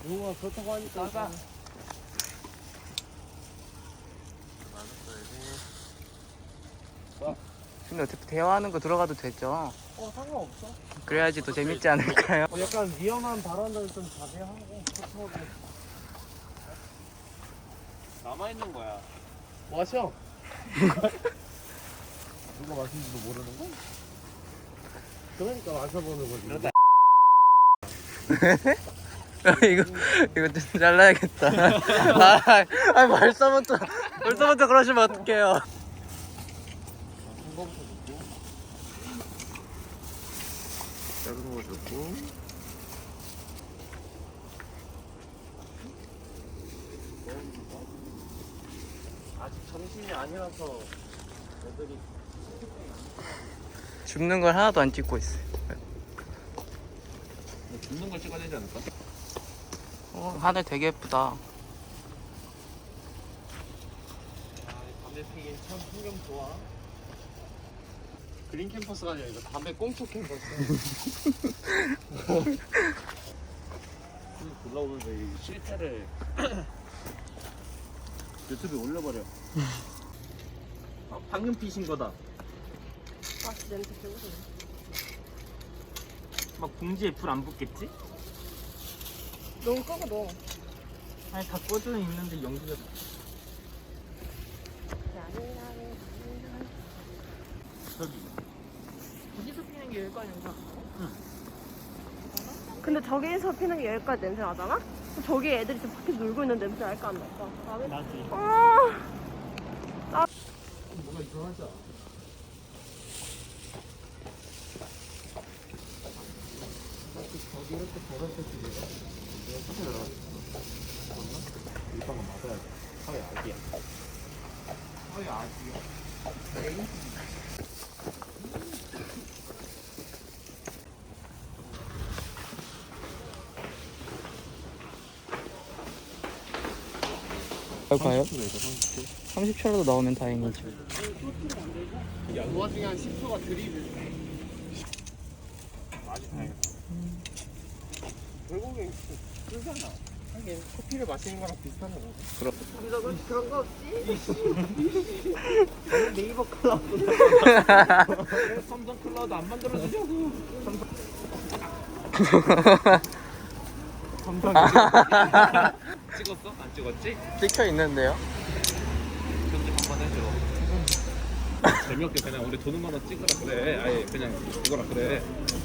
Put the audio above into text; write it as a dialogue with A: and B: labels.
A: 누가 그렇다고 하니까. 나가.
B: 근데 어차피 대화하는 거 들어가도 되죠?
A: 상관없어.
B: 그래야지 더 재밌지 않을까요?
A: 약간 위험한 발언들 좀 자제하고 그렇다고.
C: 남아있는 거야.
A: 마셔. 누가 마신지도 모르는 거? 그러니까 마셔보는 거지.
C: 그러다.
B: 이거 좀 잘라야겠다. 벌써부터 그러시면 어떡해요.
C: 작은 거 줬고.
A: 아직 점심이 아니라서 애들이
B: 줍는 걸 하나도 안 찍고 있어요.
C: 줍는 걸 찍어야 되지 않을까?
B: 하늘 되게 예쁘다.
A: 담배 피긴 참 풍경 좋아. 그린 캠퍼스가 아니라 이거 담배 꽁초 캠퍼스.
C: 올라오면서 이 실패를 유튜브에 올려버려. 방금 피신 거다.
D: 아, 냄새 배고프네.
C: 막 봉지에 불 안 붙겠지?
D: 너무 끄고 넣어.
C: 아니 다 꺼져 있는데 연기가. 저기.
D: 어디서 피는 게 여기까지 냄새 나잖아? 근데 저기에서 피는 게 여기까지 냄새 나잖아? 그럼 저기 애들이 지금 밖에 놀고 있는 냄새 날까 안 날까?
C: 나지.
A: 뭐가 이상하지 않아? 저기 이렇게 걸었을 때 내가 사실 일방은 맞아야 돼. 사회 아기야. 사회 아기야.
B: 봐요? 30초라도 나오면 다행이죠.
A: 그 와중에 한 10초가 드립을.
C: 많이 다행이다.
A: 결국엔 그잖아. 하긴 커피를 마시는 거랑 비슷한 거고.
D: 우리가 그런 거 없지?
A: 네이버 클럽보다.
C: 왜 삼성 클라우드 안 만들어주냐고. 찍었어? 안 찍었지?
B: 찍혀 있는데요?
C: 편집 한번 해줘. 재미없게 그냥 우리 도는 거나 찍으라 그래. 아예 그냥 이거라 그래.